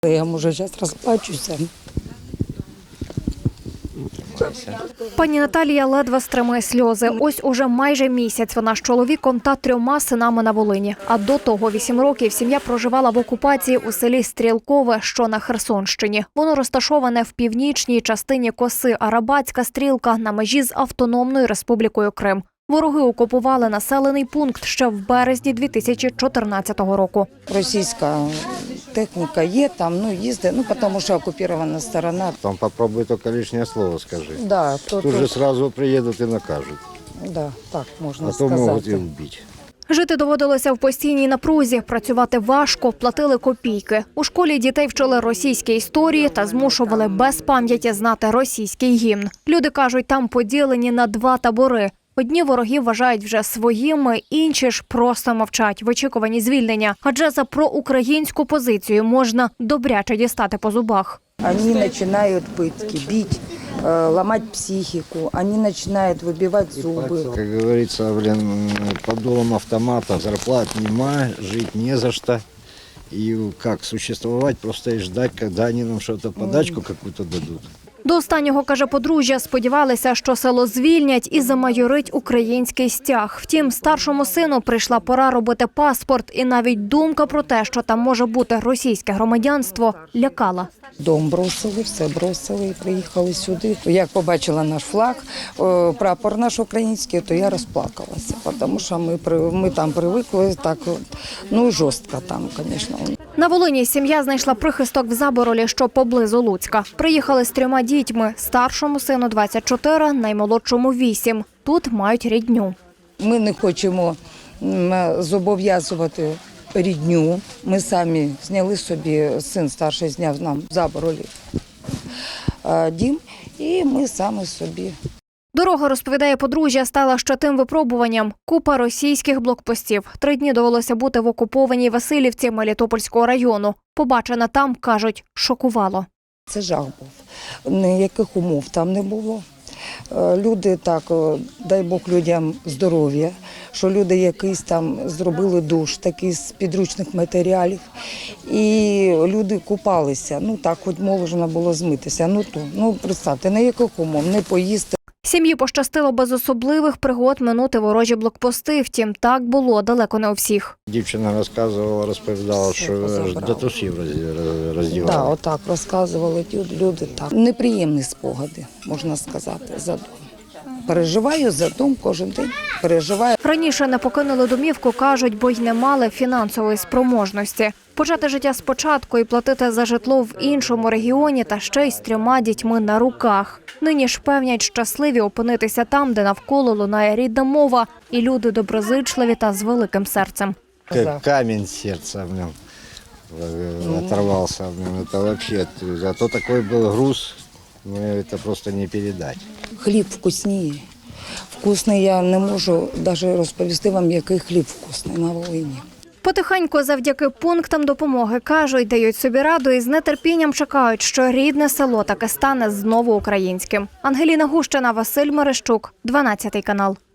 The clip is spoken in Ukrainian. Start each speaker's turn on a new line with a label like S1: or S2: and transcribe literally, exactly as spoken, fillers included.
S1: Я, може, зараз розплачуся.
S2: Пані Наталія ледве стримує сльози. Ось уже майже місяць вона з чоловіком та трьома синами на Волині. А до того вісім років сім'я проживала в окупації у селі Стрілкове, що на Херсонщині. Воно розташоване в північній частині коси Арабатська Стрілка на межі з Автономною Республікою Крим. Вороги окупували населений пункт ще в березні дві тисячі чотирнадцятого року.
S1: Російська техніка є там, ну їздить, ну тому що окупована сторона.
S3: Там попробуй тільки лишнє слово скажи.
S1: Да, то,
S3: Тут
S1: то,
S3: же сразу приїдуть і накажуть.
S1: да, так можна
S3: А то
S1: сказати.
S3: можуть і вбити.
S2: Жити доводилося в постійній напрузі, працювати важко, платили копійки. У школі дітей вчили російські історії та змушували без пам'яті знати російський гімн. Люди кажуть, там поділені на два табори. Одні ворогів вважають вже своїми, інші ж просто мовчать в очікуванні звільнення. Адже за проукраїнську позицію можна добряче дістати по зубах.
S1: Они начинают пытки, бить, э, ломать психику, они начинают выбивать зубы.
S3: Как говорится, блин, под дулом автомата зарплат нема, жить не за что. И как существовать, просто и ждать, когда они нам что-то, подачку какую-то дадут.
S2: До останнього, каже подружжя, сподівалися, що село звільнять і замайорить український стяг. Втім, старшому сину прийшла пора робити паспорт, і навіть думка про те, що там може бути російське громадянство, лякала.
S1: Дом бросили, все бросили і приїхали сюди. Як побачила наш флаг, о, прапор наш український, то я розплакалася, тому що ми, при- ми там привикли, так, ну жорстко там, звісно.
S2: На Волині сім'я знайшла прихисток в Заборолі, що поблизу Луцька. Приїхали з трьома дітьми. Старшому сину двадцять чотири, наймолодшому вісім. Тут мають рідню.
S1: Ми не хочемо м, зобов'язувати рідню. Ми самі зняли собі, син старший зняв нам в Заборолі е, дім, і ми самі собі.
S2: Дорога, розповідає подружжя, стала ще тим випробуванням. Купа російських блокпостів. Три дні довелося бути в окупованій Василівці Мелітопольського району. Побачене там, кажуть, шокувало.
S1: Це жах був. Ніяких умов там не було. Е, Люди так, е, дай Бог людям здоров'я, що люди якийсь там зробили душ, такий з підручних матеріалів. І люди купалися, ну так, хоч можна було змитися. Ну, то, ну представте, ніяких умов, не поїсти.
S2: Сім'ї пощастило без особливих пригод минути ворожі блокпости. Втім, так було далеко не у всіх.
S3: Дівчина розказувала, розповідала,
S1: Все
S3: що аж
S1: позабрала.
S3: до трусів роз-
S1: Так,
S3: роздівали.
S1: отак розказували ті люди. Так. Неприємні спогади, можна сказати, за дом. Переживаю за дом кожен день, переживаю.
S2: Раніше не покинули домівку, кажуть, бо й не мали фінансової спроможності. Почати життя спочатку і платити за житло в іншому регіоні та ще й з трьома дітьми на руках. Нині ж певнять щасливі опинитися там, де навколо лунає рідна мова, і люди доброзичливі та з великим серцем.
S3: Как камень сердца в нем э, оторвался. в нем. Это вообще, а то такой был груз, ну, это просто не передать.
S1: Хліб вкусніє. Вкусний я не можу навіть розповісти вам, який хліб вкусний на Волині.
S2: Потихеньку завдяки пунктам допомоги, кажуть, дають собі раду і з нетерпінням чекають, що рідне село таки стане знову українським. Ангеліна Гущина, Василь Мерещук, дванадцятий канал.